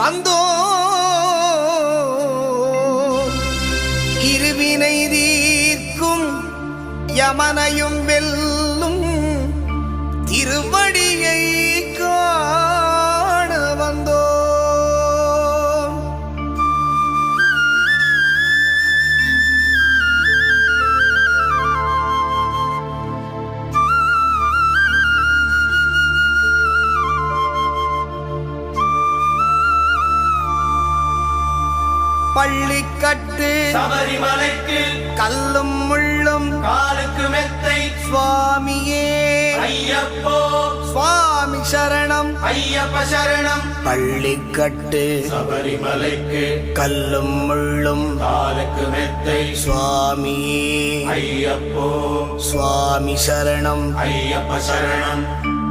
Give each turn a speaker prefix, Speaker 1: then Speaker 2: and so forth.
Speaker 1: வந்தோ இருவினை தீர்க்கும் யமனையும் வெல்லும் திருவடியை காண வந்தோ. பள்ளிக்கட்டு
Speaker 2: சபரிமலைக்கு
Speaker 1: கல்லும் முள்ளும்
Speaker 2: காலுக்கு மெத்தை
Speaker 1: சுவாமியே
Speaker 2: ஐயப்போ
Speaker 1: சுவாமி சரணம்
Speaker 2: ஐயப்ப சரணம்.
Speaker 1: பள்ளிக்கட்டு
Speaker 2: சபரிமலைக்கு
Speaker 1: கல்லும் முள்ளும்
Speaker 2: காலுக்கு மெத்தை
Speaker 1: சுவாமியே
Speaker 2: ஐயப்போ
Speaker 1: சுவாமி சரணம்
Speaker 2: ஐயப்ப சரணம்.